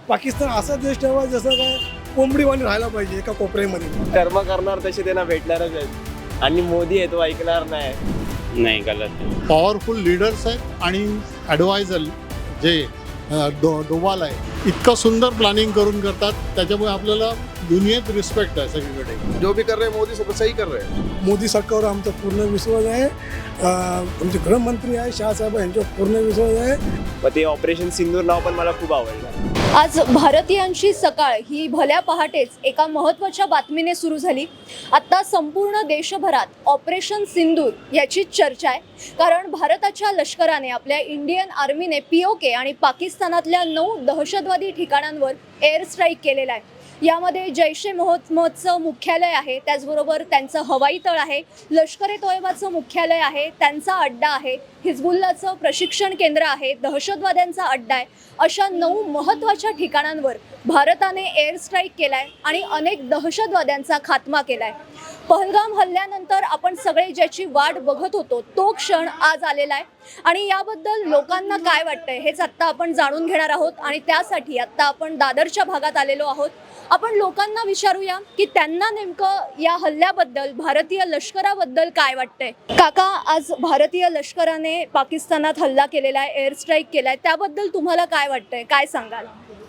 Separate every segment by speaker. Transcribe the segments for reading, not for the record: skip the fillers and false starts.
Speaker 1: पाकिस्तान असा देश ठेवा जसं काय कोंबडीवाणी राहायला पाहिजे एका कोपऱ्यामध्ये.
Speaker 2: कर्म करणार तसे त्यांना भेटणारच आहेत आणि मोदी आहे तो ऐकणार नाही. गलत आहे.
Speaker 3: पॉवरफुल लीडर्स आहेत आणि ॲडवायझर जे डोवाल आहे इतकं सुंदर प्लॅनिंग करून करतात, त्याच्यामुळे आपल्याला दुनियेत रिस्पेक्ट आहे सगळीकडे.
Speaker 4: जो भी कर रहे हैं मोदी सब सही कर रहे हैं.
Speaker 1: मोदी सरकारवर आमचा पूर्ण विश्वास आहे. आमचे गृहमंत्री आहे शहासाहेब यांच्यावर पूर्ण विश्वास आहे.
Speaker 2: मग ते ऑपरेशन सिंदूर नाव पण मला खूप आवडलं.
Speaker 5: आज भारतीयांची सकाळ ही भल्या पहाटेच एका महत्त्वाच्या बातमीने सुरू झाली. आता संपूर्ण देशभरात ऑपरेशन सिंदूर याची चर्चा आहे, कारण भारताच्या लष्कराने आपल्या इंडियन आर्मीने POK आणि पाकिस्तानातल्या 9 दहशतवादी ठिकाणांवर एअर स्ट्राईक केलेला आहे. यामध्ये जैश ए मोहम्मदचं मुख्यालय आहे, त्याचबरोबर त्यांचं हवाई तळ आहे, लष्कर ए तोयबाचं मुख्यालय आहे, त्यांचा अड्डा आहे, हिजबुल्लाचं प्रशिक्षण केंद्र आहे, दहशतवाद्यांचा अड्डा आहे. अशा 9 महत्त्वाच्या ठिकाणांवर भारताने एअर स्ट्राईक केलाय आणि अनेक दहशतवाद्यांचा खात्मा केलाय. पहलगाम हल्ल्यानंतर आपण सगळे ज्याची वाट बघत होतो तो क्षण आज आलेला आहे आणि याबद्दल लोकांना काय वाटतंय हेच आत्ता आपण जाणून घेणार आहोत. आणि त्यासाठी आत्ता आपण दादरच्या भागात आलेलो आहोत. आपण लोकांना विचारूया की त्यांना नेमकं या हल्ल्याबद्दल, भारतीय लष्कराबद्दल काय वाटतंय. काका, आज भारतीय लष्कराने पाकिस्तानात हल्ला केलेला आहे, एअर स्ट्राईक केलाय, त्याबद्दल तुम्हाला काय वाटतंय, काय सांगाल?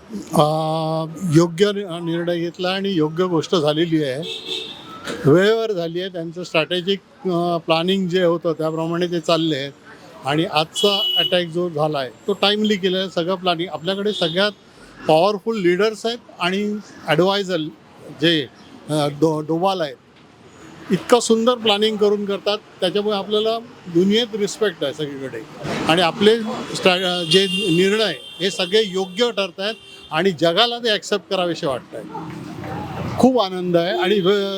Speaker 3: योग्य निर्णय घेतला आणि योग्य गोष्ट झालेली आहे, वेळेवर झाली आहे. त्यांचं स्ट्रॅटेजिक प्लॅनिंग जे होतं त्याप्रमाणे ते चालले आहेत आणि आजचा अटॅक जो झाला आहे तो टाईमली केलेला आहे. सगळं प्लॅनिंग आपल्याकडे सगळ्यात पॉवरफुल लीडर्स आहेत आणि ॲडवायझर जे डोवाल आहेत इतकं सुंदर प्लॅनिंग करून करतात, त्याच्यामुळे आपल्याला दुनियेत रिस्पेक्ट आहे सगळीकडे. आणि आपले जे निर्णय हे सगळे योग्य ठरत आहेत आणि जगाला ते ॲक्सेप्ट करावेसे वाटत आहे. खूप आनंद आहे आणि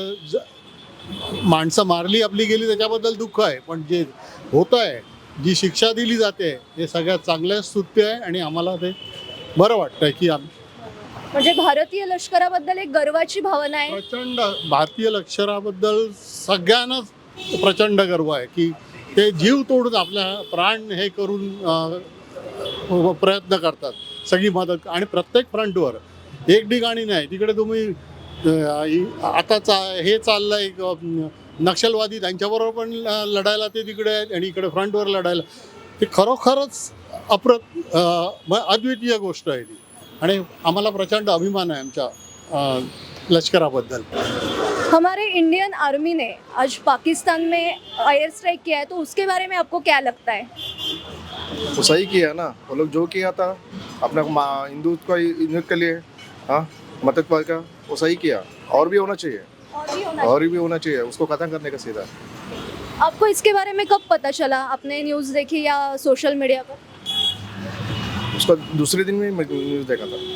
Speaker 3: माणसं मारली आपली गेली त्याच्याबद्दल दुःख आहे, पण जे होतं आहे, जी शिक्षा दिली जाते हे सगळ्यात चांगलं स्तुत्य आहे आणि आम्हाला ते बरं वाटतंय की
Speaker 5: म्हणजे भारतीय लष्कराबद्दल एक गर्वाची भावना आहे.
Speaker 3: प्रचंड भारतीय लष्कराबद्दल सगळ्यांनाच प्रचंड गर्व आहे की ते जीव तोडून आपल्या प्राण हे करून प्रयत्न करतात, सगळी मदत. आणि प्रत्येक फ्रंटवर एक ठिकाणी नाही, तिकडे तुम्ही आता हे चाललंय नक्षलवादी त्यांच्याबरोबर पण लढायला ते तिकडे आहेत आणि इकडे फ्रंटवर लढायला. ते खरोखरच अद्वितीय गोष्ट आहे ती आणि आम्हाला प्रचंड अभिमान आहे आमच्या लष्कराबद्दल.
Speaker 5: हमारे इंडियन आर्मी ने आज पाकिस्तान में एयर स्ट्राइक किया है, तो उसके बारे में आपको क्या लगता है?
Speaker 4: वो सही किया ना, वो लोग जो किया था अपना हिंदुत्व के लिए, हाँ, मदद का, वो सही किया. और भी होना चाहिए, और भी होना चाहिए, उसको खत्म करने का सीधा.
Speaker 5: आपको इसके बारे में कब पता चला? आपने न्यूज़ देखी या सोशल मीडिया पर?
Speaker 4: उसका दूसरे दिन में न्यूज़ देखा था.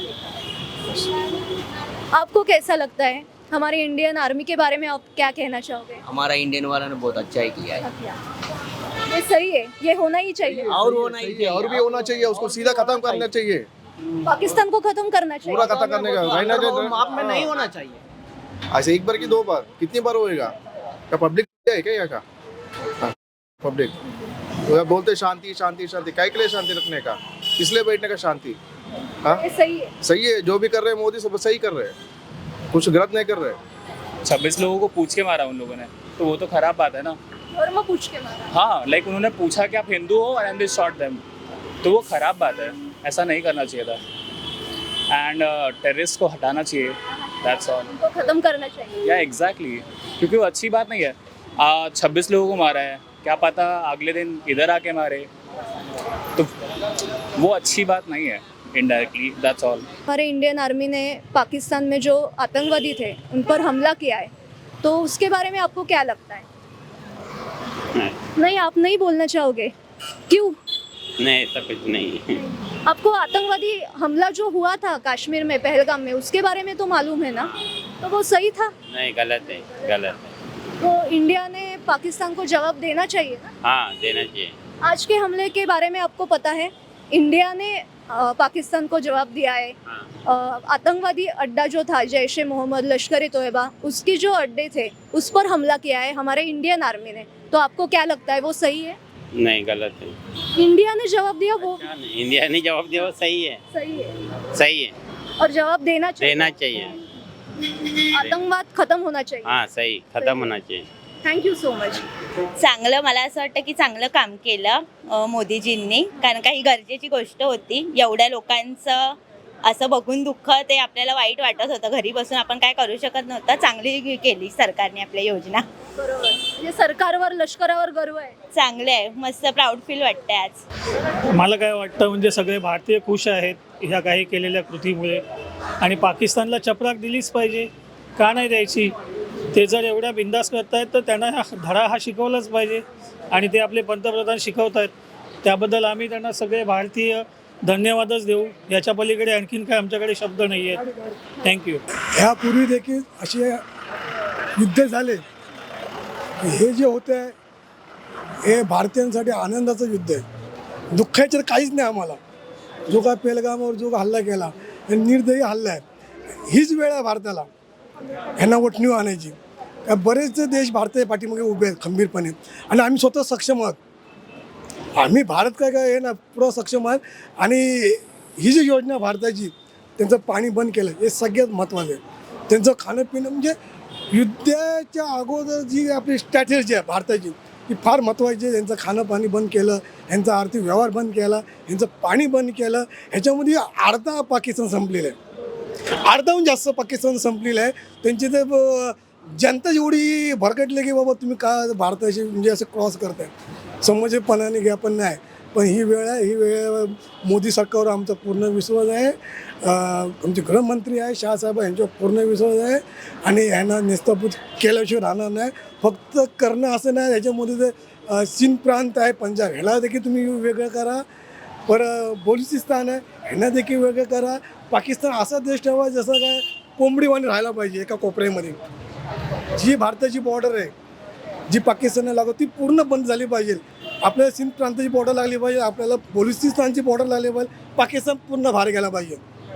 Speaker 5: आपको कैसा लगता है हमारे इंडियन आर्मी के बारे में, आप क्या कहना चाहोगे?
Speaker 6: हमारा इंडियन वाला ने बहुत अच्छा ही किया है.
Speaker 5: ये सही है, ये होना ही चाहिए.
Speaker 6: और होना ही चाहिए,
Speaker 4: और भी होना चाहिए, उसको सीधा खत्म करना चाहिए,
Speaker 5: पाकिस्तान को खत्म करना चाहिए.
Speaker 4: पूरा खत्म करने का. रहना चाहिए,
Speaker 6: माप में नहीं होना चाहिए.
Speaker 4: ऐसे एक बार की 2 बार कितनी बार होएगा? क्या पब्लिक है क्या यहाँ का? पब्लिक तो बोलते शांति शांति शांति, काय के लिए शांति रखने का, इसलिए बैठने का शांति. हाँ,
Speaker 5: ये सही है.
Speaker 4: सही है, जो भी कर रहे हैं मोदी सब सही कर रहे हैं, कुछ गलत नहीं कर रहे.
Speaker 7: 26 लोगों को पूछ के मारा उन लोगों ने, तो वो तो खराब बात है ना.
Speaker 5: धर्म पूछ के मारा.
Speaker 7: हाँ, लाइक उन्होंने पूछा कि आप हिंदू हो एंड दे शॉट देम, तो वो खराब बात है, ऐसा नहीं करना चाहिए था. एंड टेररिस्ट को हटाना चाहिए, दैट्स ऑल.
Speaker 5: उनको खत्म करना चाहिए.
Speaker 7: या एग्जैक्टली, क्योंकि वो अच्छी बात नहीं है. 26 लोगों को मारा है, क्या पता अगले दिन इधर आके मारे, तो वो अच्छी बात नहीं है. Indirectly, that's all.
Speaker 5: हमारे इंडियन आर्मी ने पाकिस्तान में जो आतंकवादी थे उन पर हमला किया है, तो उसके बारे में आपको क्या लगता है? नहीं, आप नहीं बोलना चाहोगे, क्यों?
Speaker 8: नहीं, ऐसा कुछ नहीं.
Speaker 5: आपको आतंकवादी हमला जो हुआ था कश्मीर में, पहलगाम में, उसके बारे में तो मालूम है ना, तो वो सही था?
Speaker 8: नहीं, गलत है, गलत है.
Speaker 5: तो इंडिया ने पाकिस्तान को जवाब देना चाहिए ना.
Speaker 8: हाँ, देना चाहिए.
Speaker 5: आज के हमले के बारे में आपको पता है, इंडिया ने पाकिस्तान को जवाब दिया है. आतंकवादी अड्डा जो था जैश ए मोहम्मद, लश्कर ए तोयबा, उसकी जो अड्डे थे उस पर हमला किया है हमारे इंडियन आर्मी ने. तो आपको क्या लगता है, वो सही है?
Speaker 8: नहीं, गलत है.
Speaker 5: इंडिया ने जवाब दिया, वो
Speaker 8: इंडिया ने जवाब दिया, वो सही है.
Speaker 5: सही है.
Speaker 8: सही है.
Speaker 5: और जवाब देना चाहिए,
Speaker 8: देना चाहिए।
Speaker 5: आतंकवाद खत्म होना चाहिए।
Speaker 8: हाँ सही, खत्म होना चाहिए।
Speaker 5: Thank you so much.
Speaker 9: चांगलं, मला असं वाटतं की चांगलं काम केलं मोदीजींनी, कारण का ही गरजेची गोष्ट होती. एवढ्या लोकांचं असं बघून दुःख ते आपल्याला वाईट वाटत होतं. घरी बसून आपण काय करू शकत नव्हतं. चांगली केली सरकारने आपल्या योजना.
Speaker 5: बरोबर, म्हणजे सरकारवर लष्करावर गर्व आहे.
Speaker 9: चांगले आहे, मस्त प्राऊड फील वाटतंय आज.
Speaker 10: मला काय वाटतं म्हणजे सगळे भारतीय खुश आहेत ह्या काही केलेल्या कृतीमुळे, आणि पाकिस्तानला चपराक दिलीच पाहिजे, का नाही द्यायची. ते जर एवढ्या बिंदास करतायत तर त्यांना धडा हा शिकवलाच पाहिजे, आणि ते आपले पंतप्रधान शिकवत आहेत. त्याबद्दल आम्ही त्यांना सगळे भारतीय धन्यवादच देऊ. याच्या पलीकडे आणखीन काय आमच्याकडे शब्द नाही आहेत. थँक्यू.
Speaker 1: ह्यापूर्वी देखील असे युद्ध झाले. हे जे होतं आहे हे भारतीयांसाठी आनंदाचं युद्ध आहे. दुःखाचं काहीच नाही आम्हाला. जो काय पेहलगामवर जो हल्ला केला हे निर्दयी हल्ला आहे. हीच वेळ आहे भारताला ह्यांना वटणीव आणायची. का बरेच देश भारताच्या पाठीमागे उभे आहेत खंबीरपणे, आणि आम्ही स्वतः सक्षम आहोत. आम्ही भारत काय काय हे ना पुरा सक्षम आहोत. आणि ही जी योजना भारताची, त्यांचं पाणी बंद केलं हे सगळ्यात महत्त्वाचं आहे. त्यांचं खाणं पिणं म्हणजे युद्धाच्या अगोदर जी आपली स्ट्रॅटेजी आहे भारताची ती फार महत्त्वाची आहे. त्यांचं खाणं पाणी बंद केलं, यांचा आर्थिक व्यवहार बंद केला, यांचं पाणी बंद केलं. ह्याच्यामध्ये अर्धा पाकिस्तान संपलेलं आहे. अर्धाहून जास्त पाकिस्तान संपलेलं आहे. त्यांची तर जनता एवढी भरकटली की बाबा तुम्ही का भारताशी म्हणजे असं क्रॉस करताय. समजपणाने घ्या, पण नाही. पण ही वेळ आहे, ही वेळ मोदी सरकारवर आमचा पूर्ण विश्वास आहे. आमचे गृहमंत्री आहे शहासाहेब, यांच्यावर पूर्ण विश्वास आहे, आणि यांना निस्तापूत केल्याशिवाय राहणार नाही. फक्त करणं असं नाही. याच्यामध्ये ते सिंध प्रांत आहे, पंजाब, ह्याला देखील तुम्ही वेगळं करा. बलुचिस्तान आहे, ह्यांना देखील वेगळं करा. पाकिस्तान असा देश ठेवा जसं काय कोंबडीवाणी राहायला पाहिजे एका कोपऱ्यामध्ये. जी भारताची बॉर्डर आहे जी पाकिस्तानला लागतो ती पूर्ण बंद झाली पाहिजे. आपल्याला सिंध प्रांताची बॉर्डर लागली पाहिजे, आपल्याला बलुचिस्तानची बॉर्डर लागली पाहिजे. पाकिस्तान पूर्ण बाहेर गेला पाहिजे.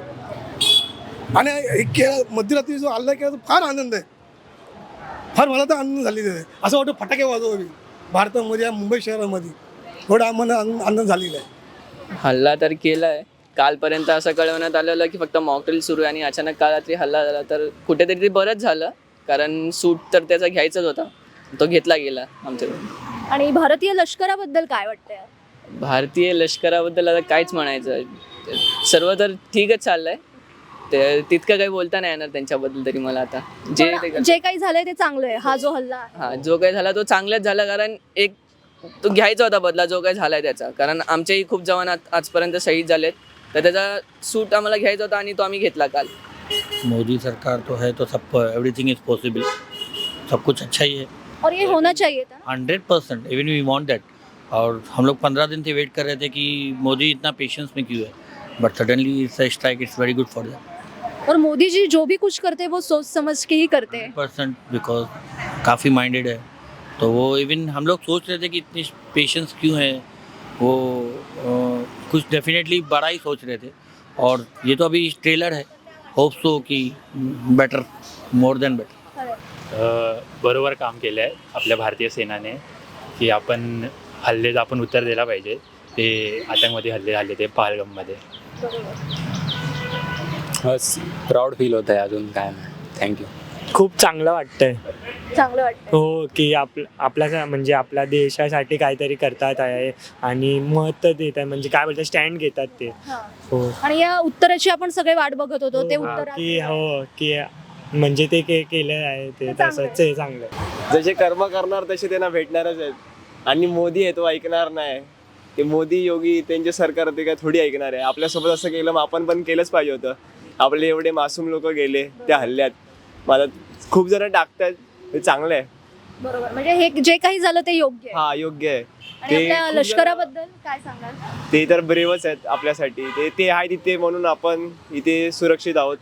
Speaker 1: आणि मध्यरात्री जो हल्ला केला तो फार आनंद आहे. फार मला तर आनंद झालेला आहे. असं वाटतं फटाके वाजवावे भारतामध्ये, मुंबई शहरामध्ये. थोडा आम्हाला आनंद झालेला आहे.
Speaker 2: हल्ला तर केला आहे. कालपर्यंत असं कळवण्यात आलेलं की फक्त मॉकड्रिल सुरू आहे, आणि अचानक काल रात्री हल्ला झाला. तर कुठेतरी ते बरंच झालं, कारण सूट तर त्याचा घ्यायचाच होता, तो घेतला गेला आमच्याकडून.
Speaker 5: आणि भारतीय लष्कराबद्दल काय वाटतंय?
Speaker 2: भारतीय लष्कराबद्दल आता काहीच म्हणायचं, सर्व तर ठीकच चाललंय. ते तितकं काही बोलता नाही येणार त्यांच्याबद्दल तरी मला. आता
Speaker 5: जे काही झालंय ते चांगलं आहे. हा जो हल्ला आहे,
Speaker 2: हा जो काही झाला तो चांगलाच झाला, कारण एक तो घ्यायचा होता बदला जो काही झालाय त्याचा. कारण आमचेही खूप जवान आजपर्यंत शहीद झालेत, तर त्याचा सूट आम्हाला घ्यायचा होता, आणि तो आम्ही घेतला काल.
Speaker 11: मोदी सरकार तो है तो सब एवरीथिंग इज पॉसिबल, सब कुछ अच्छा ही है
Speaker 5: और ये होना चाहिए था.
Speaker 11: 100%. Even we want that. और हम लोग 15 दिन से वेट कर रहे थे कि मोदी इतना पेशेंस में क्यों है, but suddenly strike it's very good for that.
Speaker 5: और मोदी जी जो भी कुछ करते हैं वो सोच समझ के ही करते हैं.
Speaker 11: 100%, बिकॉज काफ़ी माइंडेड है. तो वो इवन हम लोग सोच रहे थे कि इतनी पेशेंस क्यों है, वो कुछ डेफिनेटली बड़ा ही सोच रहे थे. और ये तो अभी ट्रेलर है, होप सो कि बेटर, मोर देन बेटर.
Speaker 7: बरोबर काम केलं आहे आपल्या भारतीय सेनाने, की आपण आपण उत्तर दिला पाहिजे. ते आतंकवादी हल्ले झाले ते पहलगाममध्ये.
Speaker 8: बस प्राऊड फील होत आहे, अजून काय नाही. थँक्यू.
Speaker 10: खूप चांगलं वाटतंय.
Speaker 5: चांगलं वाटतं.
Speaker 10: हो, की आपल्या म्हणजे आपल्या देशासाठी काहीतरी करतात आहे, आणि मत देत आहे, म्हणजे काय बोलतात स्टँड घेतात ते. हो.
Speaker 5: आणि या उत्तराची आपण सगळे वाट बघत होतो. ते उत्तर
Speaker 10: की हो, की म्हणजे ते केलं आहे ते तसंच आहे, चांगलं.
Speaker 2: जसे कर्म करणार तसे त्यांना भेटणारच आहेत. आणि मोदी आहे तो ऐकणार नाही. ते मोदी योगी त्यांचे सरकार ते काय थोडी ऐकणार आहे. आपल्यासोबत असं केलं मग आपण पण केलंच पाहिजे होतं. आपले एवढे मासूम लोक गेले त्या हल्ल्यात. मला खूप जण टाकतात, ते चांगलं आहे.
Speaker 5: बरोबर, म्हणजे हे जे काही झालं ते योग्य आहे.
Speaker 2: हा योग्य आहे.
Speaker 5: आणि आपल्या लष्कराबद्दल काय सांगाल?
Speaker 2: ते तर ब्रेवच आहेत आपल्यासाठी. ते आहे तिथे म्हणून आपण इथे सुरक्षित आहोत.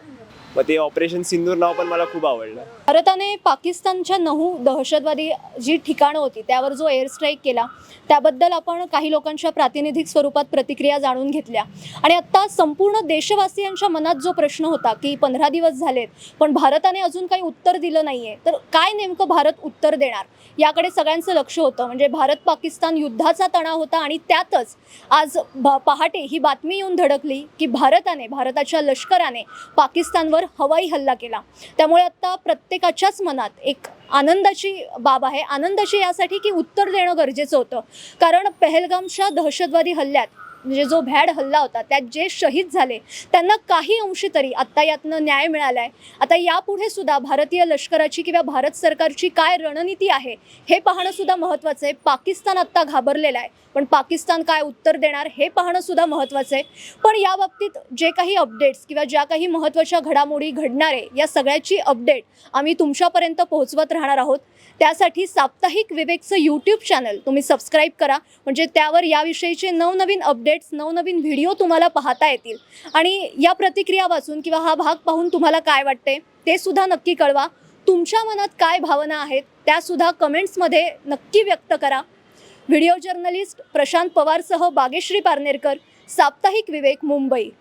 Speaker 2: मग ते ऑपरेशन सिंदूर नाव पण मला खूप आवडलं.
Speaker 5: भारताने पाकिस्तानच्या 9 दहशतवादी जी ठिकाणं होती त्यावर जो एअर स्ट्राईक केला त्याबद्दल आपण काही लोकांच्या प्रातिनिधिक स्वरूपात प्रतिक्रिया जाणून घेतल्या. आणि आत्ता संपूर्ण देशवासियांच्या मनात जो प्रश्न होता की 15 दिवस झालेत पण भारताने अजून काही उत्तर दिलं नाहीये, तर काय नेमकं भारत उत्तर देणार याकडे सगळ्यांचं लक्ष होतं. म्हणजे भारत पाकिस्तान युद्धाचा तणाव होता आणि त्यातच आज पहाटे ही बातमी येऊन धडकली की भारताच्या लष्कराने पाकिस्तानवर हवाई हल्ला केला. त्यामुळे आता प्रत्येकाच्याच मनात एक आनंदाची बाब आहे. आनंदाची यासाठी की उत्तर देणं गरजेचं होतं, कारण पहलगामच्या दहशतवादी हल्ल्यात म्हणजे जो भ्याड हल्ला होता त्यात जे शहीद झाले त्यांना काही अंशी तरी आत्ता यातनं न्याय मिळाला आहे. आता यापुढे सुद्धा भारतीय लष्कराची किंवा भारत सरकारची काय रणनीती आहे हे पाहणं सुद्धा महत्त्वाचं आहे. पाकिस्तान आत्ता घाबरलेला आहे, पण पाकिस्तान काय उत्तर देणार हे पाहणं सुद्धा महत्त्वाचं आहे. पण या बाबतीत जे काही अपडेट्स किंवा ज्या काही महत्त्वाच्या घडामोडी घडणार आहे या सगळ्याची अपडेट आम्ही तुमच्यापर्यंत पोहोचवत राहणार आहोत. त्यासाठी साप्ताहिक विवेकचं यूट्यूब चॅनल तुम्ही सबस्क्राईब करा, म्हणजे त्यावर याविषयीचे नवनवीन अपडेट्स नवनवीन व्हिडिओ तुम्हाला पाहता येतील. आणि या प्रतिक्रिया वाचून किंवा हा भाग पाहून तुम्हाला काय वाटते ते सुद्धा नक्की कळवा. तुमच्या मनात काय भावना आहेत त्यासुद्धा कमेंट्समध्ये नक्की व्यक्त करा. व्हिडिओ जर्नलिस्ट प्रशांत पवारसह बागेश्री पारनेरकर, साप्ताहिक विवेक, मुंबई.